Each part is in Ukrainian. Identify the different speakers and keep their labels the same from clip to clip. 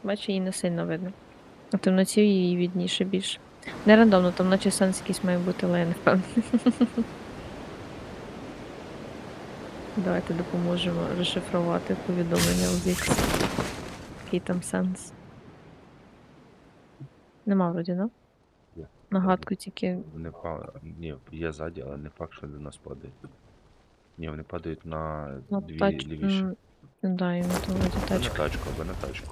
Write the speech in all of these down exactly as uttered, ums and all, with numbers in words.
Speaker 1: Бачу, її не сильно видно. А в темноті її відніше більше. Не рандомно, там наче сенс якийсь має бути, але я не впевнена. Давайте допоможемо розшифрувати повідомлення у Зікс. Який там сенс? Нема вроді, да?
Speaker 2: Є.
Speaker 1: Нагадку тільки.
Speaker 2: Вони па... Ні, є ззаді, але не факт, що до нас падають. Ні, вони падають на
Speaker 1: На
Speaker 2: дві
Speaker 1: тач...
Speaker 2: лівіші.
Speaker 1: м, Да, і на то вроді
Speaker 2: Або на
Speaker 1: тачка.
Speaker 2: тачку, або на тачку.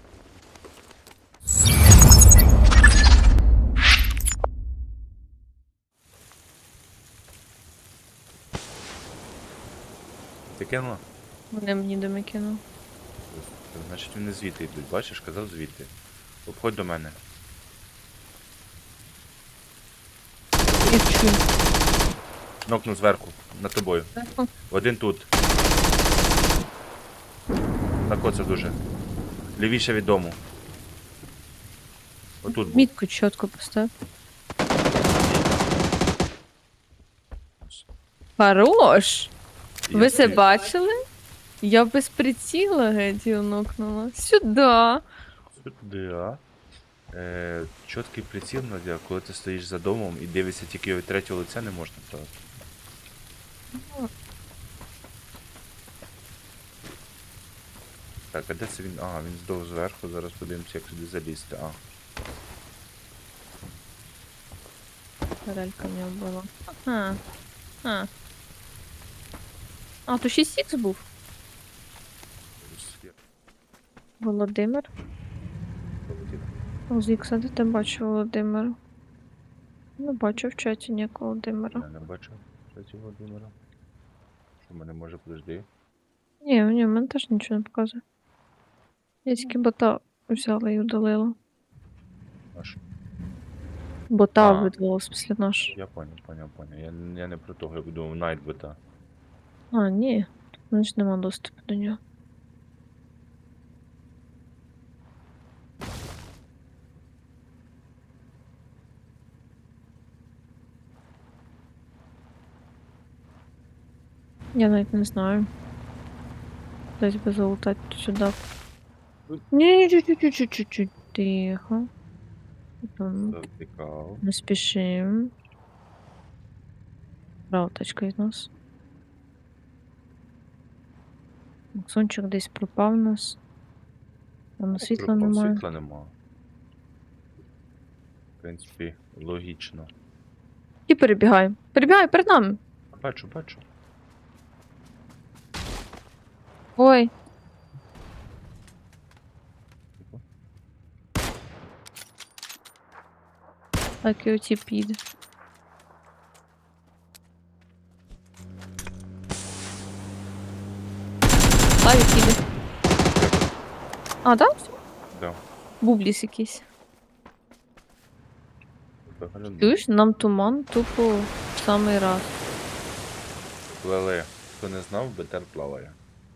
Speaker 2: Ти кинула?
Speaker 1: Вони мені доми кинув.
Speaker 2: Значить вони звідти йдуть, бачиш, казав звідти. Обходь до мене.
Speaker 1: І чую.
Speaker 2: Нокну зверху, над тобою. Один тут. Так оце дуже. Лівіше від дому. Отут був.
Speaker 1: Мітку чітко постав. Хорош!
Speaker 2: Я
Speaker 1: Ви це
Speaker 2: собі-
Speaker 1: бачили? Я без приціла геть його нокнула. Сюда.
Speaker 2: Сюди, а? Е, чіткий приціл, Надя, коли ти стоїш за домом і дивишся тільки від третього лиця, не можна брати. Так, а де це він? А, він здов зверху, зараз подивимося, як сюди залізти. А,
Speaker 1: Релька в нього була. Ага. А. А, то шість ікс був.
Speaker 2: ось є.
Speaker 1: Володимир.
Speaker 2: Полетів.
Speaker 1: З ікса, де ти бачив Володимира? Не бачу в чаті ніякого Володимира.
Speaker 2: Я не бачив, кстати, Володимира. Що в мене може, подожди.
Speaker 1: Ні, ні, в мене теж нічого не показує. Я тільки бота взяла і удалила.
Speaker 2: Аж.
Speaker 1: Бота
Speaker 2: А.
Speaker 1: видалилась після наш.
Speaker 2: Я понял, понял, понял. Я, я не про того, я думав, найт бота.
Speaker 1: А, ні. У мене ж нема доступу до нього. Я навіть не знаю. Десь би залутати сюди. Ні, чуть-чуть-чуть-чуть. Тихо. Там
Speaker 2: Завтикав.
Speaker 1: не спішим. Права тачка від нас. Максончик десь пропав у нас. Там світла
Speaker 2: Пропав,
Speaker 1: немає.
Speaker 2: Світла нема. В принципі, логічно.
Speaker 1: І перебігай. Перебігай перед нами.
Speaker 2: Бачу, бачу.
Speaker 1: Ой. Так і оті піде. Славік піде. А, так? Да?
Speaker 2: Да.
Speaker 1: Бубліс якийсь.
Speaker 2: Виглядає.
Speaker 1: Чуєш, нам туман тупо в самий раз.
Speaker 2: Плели. Хто не знав, БТР плаває.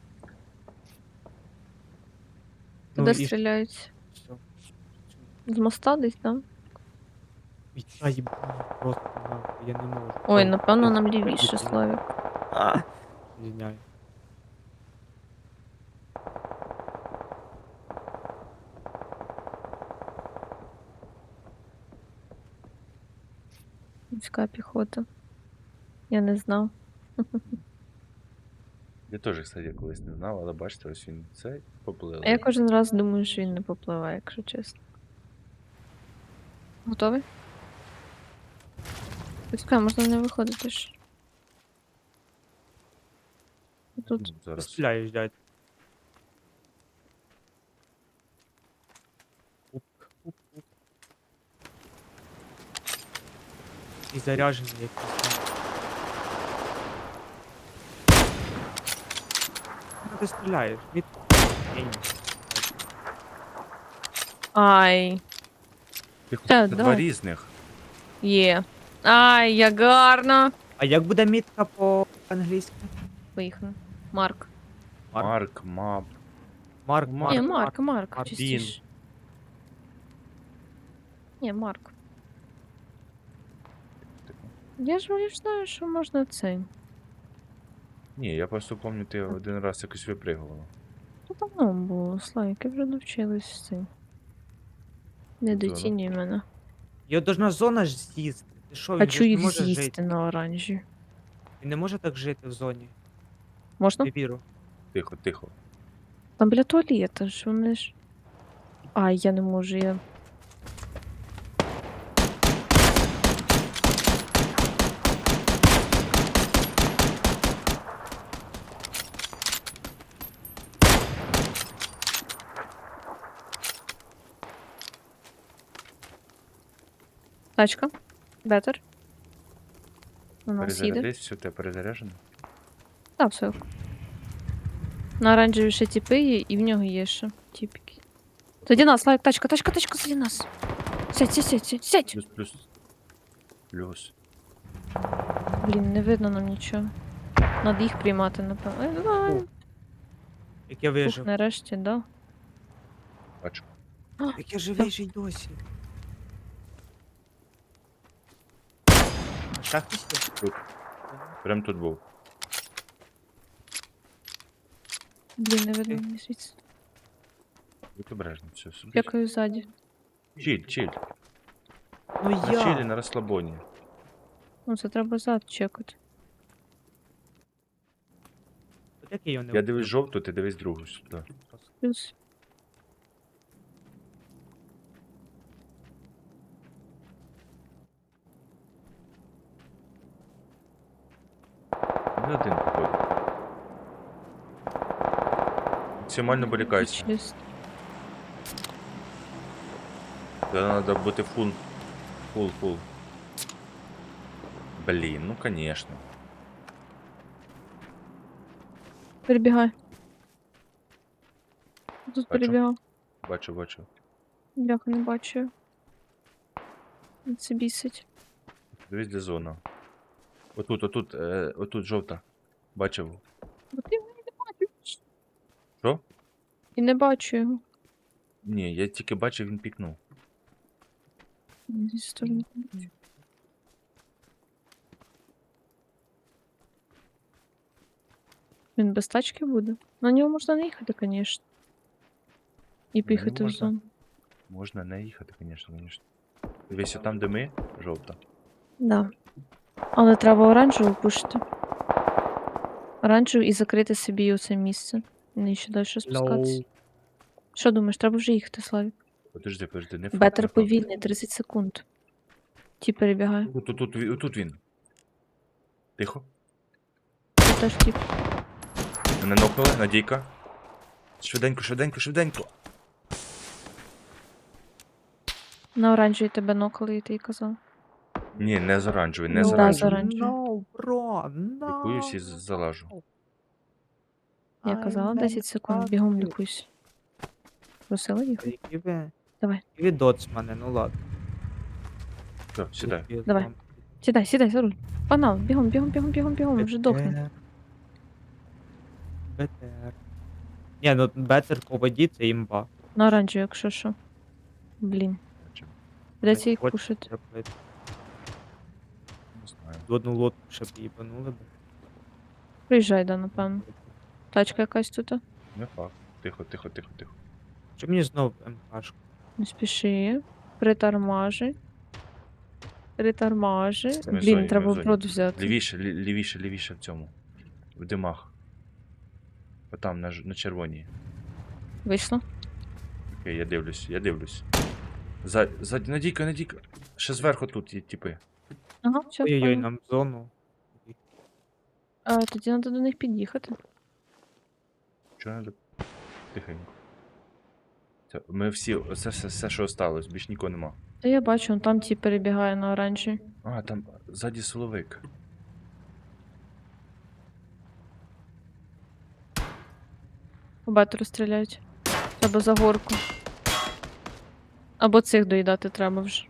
Speaker 1: Куди
Speaker 3: і
Speaker 1: стріляють?
Speaker 3: Все.
Speaker 1: З моста десь, там?
Speaker 3: Ай, їбані, просто нахуй, я не можу.
Speaker 1: Ой,
Speaker 3: Ой,
Speaker 1: напевно,
Speaker 3: я
Speaker 1: нам
Speaker 3: тут
Speaker 1: лівіше,
Speaker 3: прибіг,
Speaker 1: Славік.
Speaker 3: А, Звиняю.
Speaker 1: Міська піхота. Я не знав.
Speaker 2: Я теж, кстати, колись не знав, але бачите, ось він цей поплили.
Speaker 1: А я кожен раз думаю, що він не попливає, якщо чесно. Готовий? Почекай, можна не виходити ж. Тут.
Speaker 2: Ну, зараз.
Speaker 3: Стріляєш, дядь. Уп, уп, уп. І заряджений якийсь. Ну, ти стріляєш, від... Ні, ні.
Speaker 1: Ай,
Speaker 2: Тихо,
Speaker 1: Та,
Speaker 2: це
Speaker 1: да.
Speaker 2: два різних.
Speaker 1: є. Ай, як гарно.
Speaker 3: А як буде мітка по-англійськи?
Speaker 1: Поїхали. Марк.
Speaker 3: Марк.
Speaker 2: Марк, мап.
Speaker 3: Марк,
Speaker 2: Марк.
Speaker 1: Ні,
Speaker 3: Марк,
Speaker 1: Марк, Марк,
Speaker 3: Марк.
Speaker 1: частіше. Ні, Марк. Я ж я ж знаю, що можна цей.
Speaker 2: Ні, я просто пам'ятаю, ти один раз якось випригувала.
Speaker 1: Ну, давно було, Славік, вже навчились з цим. Не
Speaker 2: Зона.
Speaker 1: доцінюй мене.
Speaker 3: Його должна зона ж з'їсти. Ти що, він же
Speaker 1: Хочу
Speaker 3: ж не
Speaker 1: їх
Speaker 3: може
Speaker 1: з'їсти
Speaker 3: жити.
Speaker 1: на оранжі.
Speaker 3: Він не може так жити в зоні.
Speaker 1: Можна?
Speaker 3: Не віру.
Speaker 2: Тихо, тихо.
Speaker 1: Там біля туалета ж вони ж. Ай, я не можу, я. Тачка. Бетер. У нас їде.
Speaker 2: Перезарядись, все, тебе перезаряджено.
Speaker 1: Так, все. На оранжеві ще тіпи є, і в нього є ще тіпки. Тоді нас, Славік, тачка, тачка, тачка, тоді нас. Сядь, сядь, сядь, сядь, сядь.
Speaker 2: Плюс, плюс. Плюс.
Speaker 1: Блін, не видно нам нічого. Надо їх приймати, напевно. Ай, давай.
Speaker 3: Фу. Як я
Speaker 1: Фух,
Speaker 3: вижив.
Speaker 1: нарешті, да.
Speaker 2: Бачу.
Speaker 3: Як я живий же й досі. А ще хтось є?
Speaker 2: Тут. Прям тут був.
Speaker 1: Блін, не видно
Speaker 3: Окей.
Speaker 1: мені звідси.
Speaker 2: Будь обережно, все. Собі.
Speaker 1: Дякую ззаді.
Speaker 2: Чиль, чиль.
Speaker 3: Ну
Speaker 2: На чилі,
Speaker 3: я.
Speaker 2: на розслабоні.
Speaker 1: Ну, це треба зад чекати.
Speaker 3: От як я його не
Speaker 2: Я
Speaker 3: вбив?
Speaker 2: дивись жовту, ти дивись другу сюди.
Speaker 1: Плюс.
Speaker 2: Не один походу. Максимально балікайся.
Speaker 1: Чист.
Speaker 2: Тогда надо бути фул. Фул, фул. Блін, ну конечно.
Speaker 1: Перебігай. Тут
Speaker 2: Бачу.
Speaker 1: перебігав.
Speaker 2: Бачу, бачу.
Speaker 1: Бляха, не бачу. Це бісить.
Speaker 2: Дивись, де зона. Отут, отут, е, отут жовта. Бачив.
Speaker 1: Бо ти мене не бачиш.
Speaker 2: Що?
Speaker 1: І не бачу його.
Speaker 2: Ні, я тільки бачив, він пікнув.
Speaker 1: Зі сторони. Він без тачки буде? На нього можна не їхати, звісно. І поїхати в
Speaker 2: можна.
Speaker 1: зону.
Speaker 2: Можна не їхати, звісно, звісно. Дивись, там де ми, жовта.
Speaker 1: Да. Але треба оранжеву пушити. Оранжеву і закрити собі оце місце. Не ще далі спускатися.
Speaker 3: Лоу.
Speaker 1: Що думаєш, треба вже їхати, Славік?
Speaker 2: Подожди, подожди, не факт, не
Speaker 1: Бетер
Speaker 2: факт.
Speaker 1: повільний, тридцять секунд. Ті перебігає.
Speaker 2: Тут, тут, тут, він- тут він. Тихо.
Speaker 1: Це теж тіп.
Speaker 2: Мене нокнули, Надійка. Швиденько, швиденько, швиденько.
Speaker 1: На оранжевій тебе нокали, і ти й казав.
Speaker 2: Ні, не з оранжевої, не
Speaker 1: Ну,
Speaker 2: з
Speaker 1: да, з
Speaker 2: оранжевої.
Speaker 1: оранжевої.
Speaker 3: No, bro, no.
Speaker 2: Лікуюсь і з- залажу.
Speaker 1: Я
Speaker 3: I
Speaker 1: казала
Speaker 3: meant
Speaker 1: десять секунд,
Speaker 3: fuck
Speaker 1: бігом
Speaker 3: you.
Speaker 1: лікуйся. Просила їх?
Speaker 3: Які ви...
Speaker 1: Давай.
Speaker 3: Які ви доцмани, ну ладно.
Speaker 2: Все, сідай.
Speaker 3: Які
Speaker 1: Давай.
Speaker 3: там-
Speaker 1: Сідай, сідай за руль. Панал, бігом, бігом, бігом, бігом, бігом, вже дохне.
Speaker 3: Бетер. Бетер. Ні, ну бетер по воді це імба.
Speaker 1: На оранжевій, якщо що. Блін. Придеться їх
Speaker 3: Хоч
Speaker 1: пушити.
Speaker 3: зробити.
Speaker 2: Не знаю.
Speaker 3: В одну лодку ще б їбанули б.
Speaker 1: Приїжджай, да, напевно. Тачка якась тут.
Speaker 2: Не факт. Тихо, тихо, тихо, тихо.
Speaker 3: Чи мені знов МКшку?
Speaker 1: Не спіши. Притормажи. Притормажи.
Speaker 2: Ми в зоні,
Speaker 1: Блін,
Speaker 2: ми
Speaker 1: треба
Speaker 2: в зоні.
Speaker 1: брод взяти.
Speaker 2: Лівіше, лі- лівіше, лівіше в цьому. В димах. Отам, на, ж- на червоній.
Speaker 1: Вийшло?
Speaker 2: Окей, я дивлюсь, я дивлюсь. За, за, Надійка, Надійка. Ще зверху тут є типи.
Speaker 1: Ага, все.
Speaker 3: Ой-ой-ой, нам в зону.
Speaker 1: А, тоді треба до них під'їхати.
Speaker 2: Чого надо? Тихенько. Це, ми всі, це все, все, що осталось, більш нікого нема.
Speaker 1: Та я бачу, он там ті перебігає на оранжі.
Speaker 2: А, там ззаді силовик.
Speaker 1: По бетеру стріляють. Треба за горку. Або цих доїдати треба вже.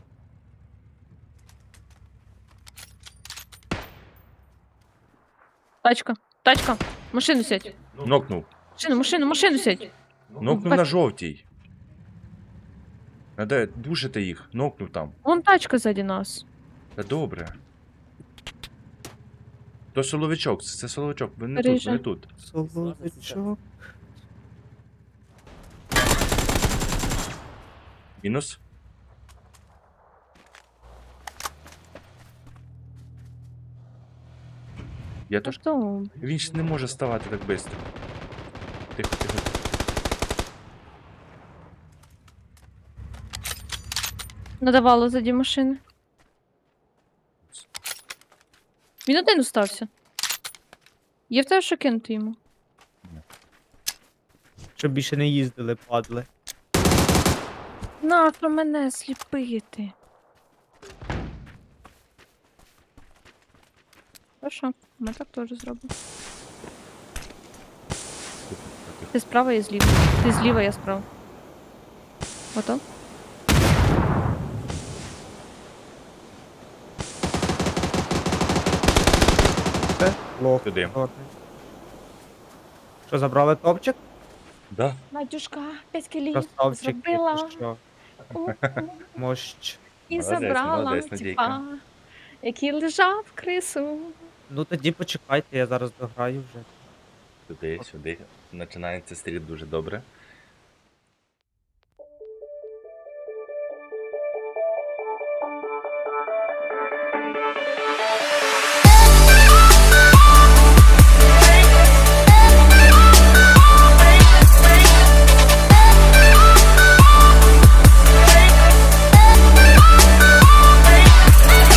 Speaker 1: Тачка, тачка, машину сядь.
Speaker 2: Нокнув.
Speaker 1: Машину, машину, машину сядь.
Speaker 2: Нокнув
Speaker 1: бач-
Speaker 2: на жовтій. Надо душити їх. Нокнув там.
Speaker 1: Вон тачка ззаді нас.
Speaker 2: Та добре. То соловичок, це соловичок. Вони не тут,
Speaker 1: Переїжджай.
Speaker 2: вони тут.
Speaker 3: Соловичок.
Speaker 2: Мінус. Я теж.
Speaker 1: Хто?
Speaker 2: Він ж не може ставати так швидко. Тихо, тихо.
Speaker 1: Надавало заді машини. Він один остався. Є в тебе що кинути йому?
Speaker 3: Щоб більше не їздили, падли.
Speaker 1: Нащо мене сліпити? Хорошо, ми так теж зробимо.
Speaker 2: Тихо, тихо.
Speaker 1: Ти справа, я зліва. Ти зліва, я справа. Ото?
Speaker 3: Це лох.
Speaker 2: Туди.
Speaker 3: чорний. Що, забрали топчик?
Speaker 2: Да.
Speaker 1: Надюшка, п'ять кілів
Speaker 3: Красавчик,
Speaker 1: зробила.
Speaker 3: ти що? Мощ.
Speaker 1: І
Speaker 2: Молодець,
Speaker 1: забрала,
Speaker 2: молодець, Надійка.
Speaker 1: типа, який лежав крису.
Speaker 3: Ну тоді почекайте, я зараз дограю вже.
Speaker 2: Сюди, сюди. Починається стріт дуже добре.